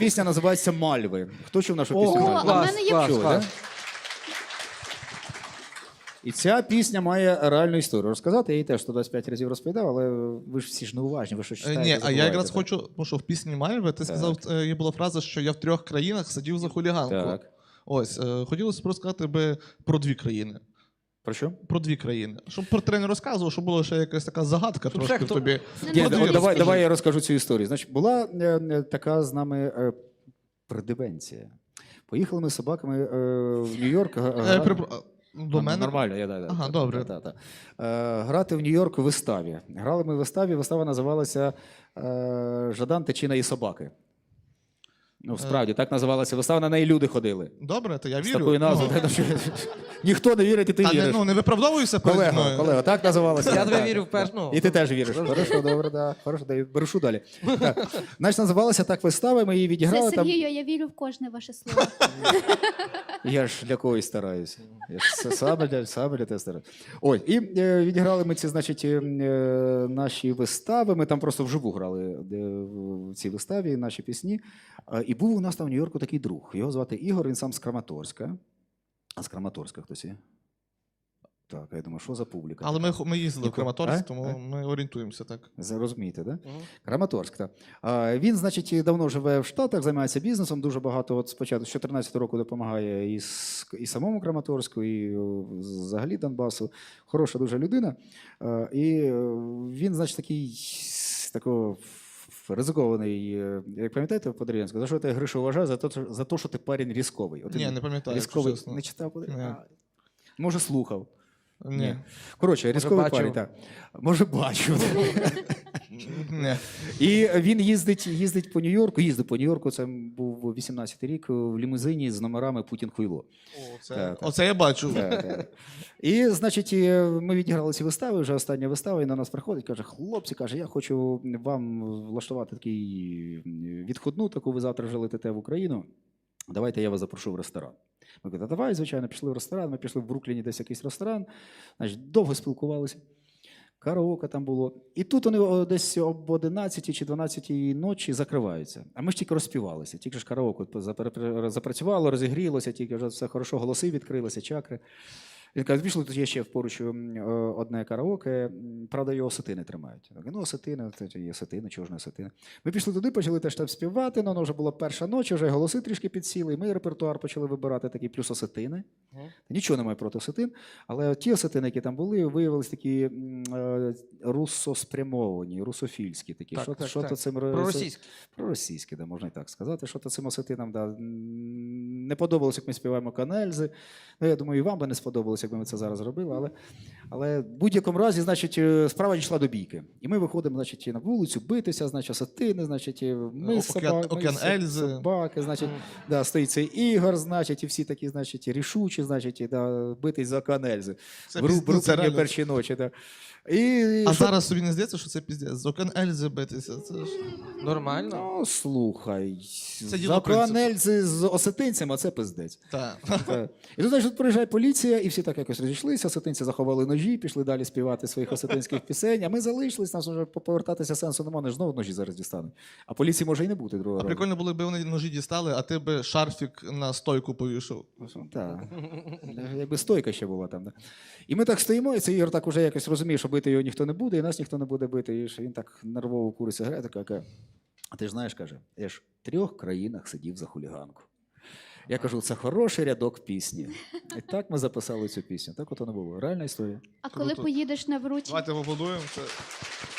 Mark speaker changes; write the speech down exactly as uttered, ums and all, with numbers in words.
Speaker 1: Пісня називається «Мальви». Хто чув нашу пісню?
Speaker 2: О,
Speaker 1: «Мальви»?
Speaker 2: а в мене є
Speaker 1: Чули,
Speaker 2: клас,
Speaker 1: да?
Speaker 2: клас.
Speaker 1: І ця пісня має реальну історію. Розказати, я її теж сто двадцять п'ять разів розповідав, але ви ж всі ж неуважні, ви що
Speaker 3: Е,
Speaker 1: читаєте,
Speaker 3: Ні, а я
Speaker 1: забуваєте,
Speaker 3: якраз
Speaker 1: так?
Speaker 3: хочу, тому що в пісні Мальви ти сказав, е, є була фраза, що я в трьох країнах сидів за хуліганку.
Speaker 1: Так.
Speaker 3: Ось, е, хотілося б розказати би про дві країни.
Speaker 1: Про що?
Speaker 3: Про дві країни. Щоб про три не розказував, щоб була ще якась така загадка
Speaker 2: Щоб
Speaker 3: трошки
Speaker 2: ще
Speaker 3: в
Speaker 2: хто-
Speaker 3: тобі.
Speaker 1: Ні,
Speaker 3: Про дві
Speaker 1: давай,
Speaker 3: розкажи.
Speaker 1: давай я розкажу цю історію. Значить, була е, е, така з нами е, придивенція. Поїхали ми з собаками е, в Нью-Йорк. га-
Speaker 3: Е,
Speaker 1: га-
Speaker 3: припро- а, До
Speaker 1: Ну,
Speaker 3: мене?
Speaker 1: Нормально, я да, да,
Speaker 3: Ага,
Speaker 1: так,
Speaker 3: добре.
Speaker 1: та, та, та. Е, грати в Нью-Йорку в виставі. Грали ми в виставі, вистава називалася е, Жадан, Тичина і собаки. Ну, справді, так називалася вистава, на неї люди ходили.
Speaker 3: Добре, то я
Speaker 1: З
Speaker 3: вірю.
Speaker 1: такою назвою.
Speaker 3: Ну,
Speaker 1: так, що ніхто не вірить, і ти
Speaker 3: Та не,
Speaker 1: віриш.
Speaker 3: ну, не виправдовуйся переді
Speaker 1: Колега,
Speaker 3: мною.
Speaker 1: колега, так називалося.
Speaker 2: Я тебе
Speaker 1: Так.
Speaker 2: вірю в першу. Ну,
Speaker 1: І ти теж віриш. Хорошо, добре, да. Хорошо, да. Берушу далі. Так. Значить, називалася так вистава, ми її
Speaker 4: Все,
Speaker 1: відіграли. Там...
Speaker 4: Сергію, я вірю в кожне ваше слово.
Speaker 1: Я ж для когось стараюся. Я ж с- саме для, саме для тебе стараюся. Ой, і е, відіграли ми ці, значить, е, е, наші вистави. Ми там просто вживу грали е, в цій виставі наші пісні. Е, і був у нас там в Нью-Йорку такий друг. Його звати Ігор, він сам з Краматорська. А з Краматорська хтось є? Так, а я думаю, що за публіка?
Speaker 3: Але ми, ми їздили в
Speaker 1: Яку?
Speaker 3: Краматорськ,
Speaker 1: А?
Speaker 3: тому
Speaker 1: А?
Speaker 3: ми орієнтуємося так.
Speaker 1: Розумієте, да?
Speaker 2: Мгм.
Speaker 1: Краматорськ, так. А, він, значить, давно живе в Штатах, займається бізнесом, дуже багато, от спочатку, з чотирнадцятого року допомагає і, с- і самому Краматорську, і о, взагалі Донбасу. Хороша дуже людина. А, і е, він, значить, такий с- такого ф- ризикований, е, як пам'ятаєте по Дерев'янську, за що ти Гришу вважаю? За те, що- за те, що ти парень різковий. От
Speaker 3: Ні,
Speaker 1: він
Speaker 3: не пам'ятаю, якщо
Speaker 1: Різковий,
Speaker 3: чесно.
Speaker 1: не читав?
Speaker 3: Ні.
Speaker 1: А, може, слухав.
Speaker 3: Ні.
Speaker 1: Коротше, різковий
Speaker 2: бачив.
Speaker 1: парень, так. Може, бачив.
Speaker 3: Ні.
Speaker 1: І він їздить, їздить по Нью-Йорку, їздив по Нью-Йорку, це був вісімнадцятий рік, в лімузині з номерами Путін Хуйло.
Speaker 3: О, це,
Speaker 1: Так, так.
Speaker 3: Оце я бачу.
Speaker 1: Так, так. І, значить, і ми відіграли ці вистави, вже остання вистава, і на нас приходить, каже, хлопці, каже, я хочу вам влаштувати такий відходну, таку ви завтра вже летите в Україну. Давайте я вас запрошу в ресторан. Ми кажемо, давай, звичайно, пішли в ресторан. Ми пішли в Брукліні десь якийсь ресторан, значить, довго спілкувалися. Караоке там було. І тут вони о, десь об одинадцятій чи дванадцятій ночі закриваються. А ми ж тільки розпівалися, тільки ж караоке запра- запрацювало, розігрілося, тільки вже все хорошо, голоси відкрилися, чакри. Він каже, пішли, тут є ще поруч м, е, одне караоке, м, правда, його осетини тримають. Я кажу, ну, осетини, це є осетини, чого ж не осетини. Ми пішли туди, почали теж там співати, ну, воно вже була перша ніч, вже голоси трішки підсіли, і ми репертуар почали вибирати такий, плюс осетини.
Speaker 2: Мгм.
Speaker 1: Нічого немає проти осетин, але ті осетини, які там були, виявилися такі м, е, русоспрямовані, русофільські такі.
Speaker 2: Так,
Speaker 1: що
Speaker 2: так,
Speaker 1: що
Speaker 2: так.
Speaker 1: то цим
Speaker 2: Проросійські.
Speaker 1: Проросійські, да, можна і так сказати. Що то цим осетинам да, м, не подобалося, як ми співаємо канельзи. Ну, я думаю, і вам би не сподобалося, якби ми це зараз робили. Але, але в будь-якому разі, значить, е, справа дійшла до бійки. І ми виходимо, значить, на вулицю битися, значить, осетини, значить, е, ми
Speaker 3: Океан-
Speaker 1: собаки,
Speaker 3: Океан Ельзи.
Speaker 1: собаки, значить,
Speaker 2: Мгм.
Speaker 1: да, стоїть цей Ігор, значить, і всі такі, значить, рішучі, значить, і, да, битись за канельзи.
Speaker 3: Це
Speaker 1: В Ру-
Speaker 3: пізд- ну, це
Speaker 1: Брукліні
Speaker 3: реально.
Speaker 1: перші ночі. Да. І,
Speaker 3: А
Speaker 1: що-
Speaker 3: зараз собі не здається, що це піздець. З окон Ельзи битися. Це ж...
Speaker 2: Нормально.
Speaker 1: Ну, слухай,
Speaker 3: Це діло
Speaker 1: за
Speaker 3: принципу.
Speaker 1: канельзи з осетинцями, а це пиздець.
Speaker 3: Так.
Speaker 1: Так. І тут, значить, приїжджає поліція, і всі так якось розійшлися, осетинці заховали ножі, пішли далі співати своїх осетинських пісень, а ми залишились, нас вже повертатися сенсу немає, вони ж знову ножі зараз дістануть. А поліції може і не бути другого
Speaker 3: А
Speaker 1: разу.
Speaker 3: прикольно було, якби вони ножі дістали, а ти би шарфік на стойку повішав.
Speaker 1: Так. Якби стойка ще була там. Да. І ми так стоїмо, і цей Ігор так уже якось розуміє, що бити його ніхто не буде, і нас ніхто не буде бити. І ж він так нервово курить сигарету, каже, а ти ж знаєш, каже, я ж в трьох країнах сидів за хуліганку. Я кажу, це хороший рядок пісні. І так ми записали цю пісню. Так от воно було. Реальна історія.
Speaker 4: А коли
Speaker 3: Круто.
Speaker 4: поїдеш на вручення?
Speaker 3: Давайте поаплодуємо. Це...